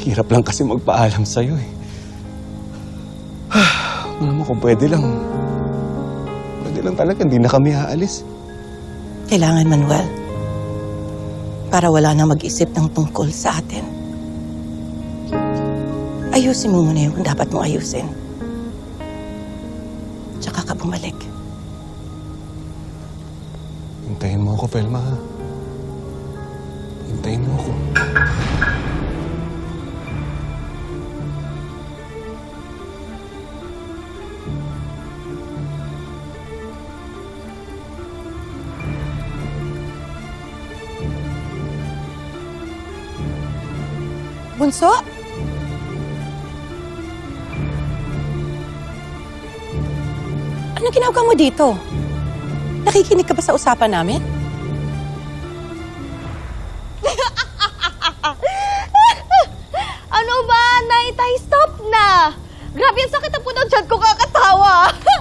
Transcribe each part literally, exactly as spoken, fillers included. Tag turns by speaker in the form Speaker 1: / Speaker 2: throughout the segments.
Speaker 1: Hirap lang kasi magpaalam sa'yo eh. Alam mo kung pwede lang. Pwede lang talaga, hindi na kami aalis.
Speaker 2: Kailangan, Manuel. Para wala na mag-isip ng tungkol sa atin. Ayusin mo muna yung dapat mong ayusin. Tsaka ka bumalik.
Speaker 1: Hintayin mo ako, Velma, ha? Hintayin mo ako.
Speaker 2: Bunso? Anong ginagawa mo dito? Nakikinig ka ba sa usapan namin?
Speaker 3: Ano ba, Nay? Tay, stop na! Grabe, ang sakit ang puno dyan ko kakatawa!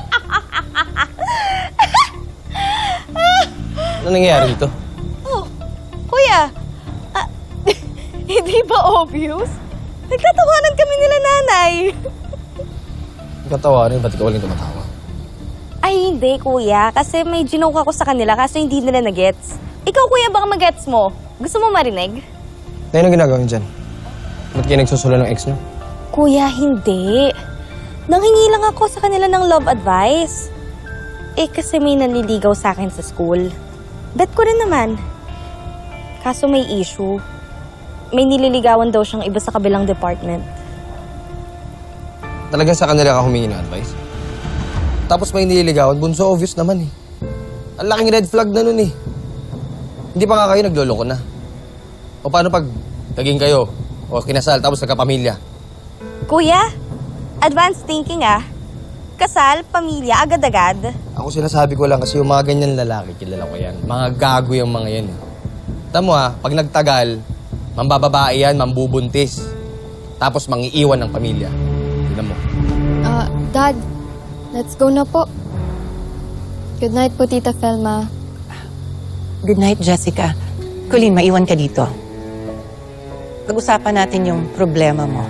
Speaker 4: Ano nangyayari dito?
Speaker 3: Oh, kuya, ah, hindi ba obvious? Nagtatawanan kami nila nanay.
Speaker 4: Katawarin, ba't ikaw walang tumatawa?
Speaker 3: Ay, hindi, kuya. Kasi may ginoke ako sa kanila kaso hindi nila na-gets. Ikaw, kuya, baka mag-gets mo. Gusto mo marinig?
Speaker 4: Ano yung ginagawa niyo dyan? Ba't kayo nagsusulo ng ex niyo?
Speaker 3: Kuya, hindi. Nanghingi lang ako sa kanila ng love advice. Eh, kasi may nanliligaw sa akin sa school. Bet ko rin naman. Kaso may issue. May nililigawan daw siyang iba sa kabilang department.
Speaker 4: Talagang sa kanila ka humingi ng advice? Tapos may nililigawan, bunso, obvious naman eh. Ang laking red flag na nun eh. Hindi pa nga kayo nagloloko na. O paano pag naging kayo, o kinasal, tapos nagkapamilya?
Speaker 3: Kuya, advanced thinking ah. Kasal, pamilya, agad-agad.
Speaker 4: Ako sinasabi ko lang kasi yung mga ganyan lalaki, kilala ko yan. Mga gago yung mga yan eh. Tamo ha, pag nagtagal, mambababae yan, mambubuntis. Tapos mangiiwan ng pamilya. Tignan mo.
Speaker 5: Ah, Dad, let's go na po. Good night po, Tita Felma.
Speaker 2: Good night, Jessica. Colleen, maiwan ka dito. Pag-usapan natin yung problema mo.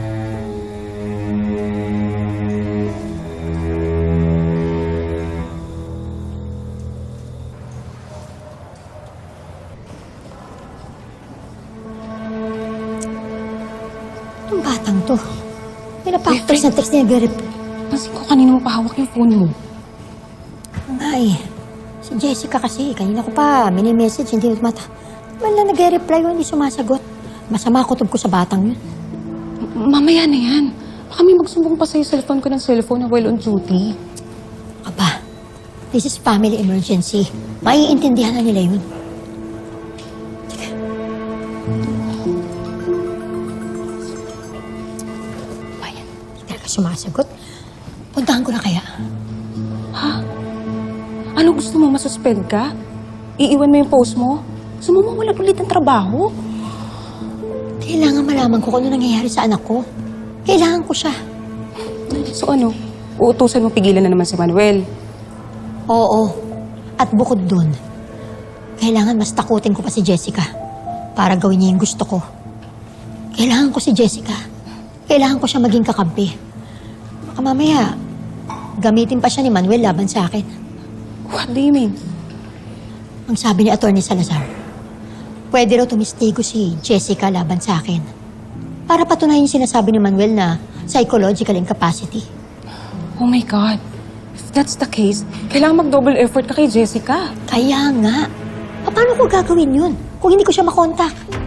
Speaker 6: Itong batang to. Pinapaktos na text niya nag-reply.
Speaker 7: Pansin ko kanina mo pahawak yung phone mo.
Speaker 6: Ay, si Jessica kasi, kanina ko pa, mini-message, hindi nagmata. Man lang nag-reply yun, hindi sumasagot. Masama kutob ko sa batang yun.
Speaker 7: M- Mamaya na yan. Baka may magsumbong pa sa'yo cellphone ko ng cellphone na while on duty.
Speaker 6: Aba, this is family emergency. Maiintindihan na nila yun. Teka. Bayan, hindi talaga sumasagot. Puntahan ko na kaya.
Speaker 7: Ha? Ano gusto mo, masuspend ka? Iiwan mo yung post mo? Gusto mo mawalan ulit ng trabaho?
Speaker 6: Kailangan malaman ko kung ano nangyayari sa anak ko. Kailangan ko siya.
Speaker 7: So ano, uutusan mo pigilan na naman si Manuel?
Speaker 6: Oo. At bukod dun, kailangan mas takutin ko pa si Jessica para gawin niya yung gusto ko. Kailangan ko si Jessica. Kailangan ko siya maging kakampi. Baka mamaya, gamitin pa siya ni Manuel laban sa akin.
Speaker 7: What do you mean?
Speaker 6: Ang sabi ni Attorney Salazar, pwede raw tumistigo si Jessica laban sa akin para patunayan yung sinasabi ni Manuel na psychological incapacity.
Speaker 7: Oh my God. If that's the case, kailangan mag-double effort ka kay Jessica.
Speaker 6: Kaya nga, paano ko gagawin yun kung hindi ko siya makontak?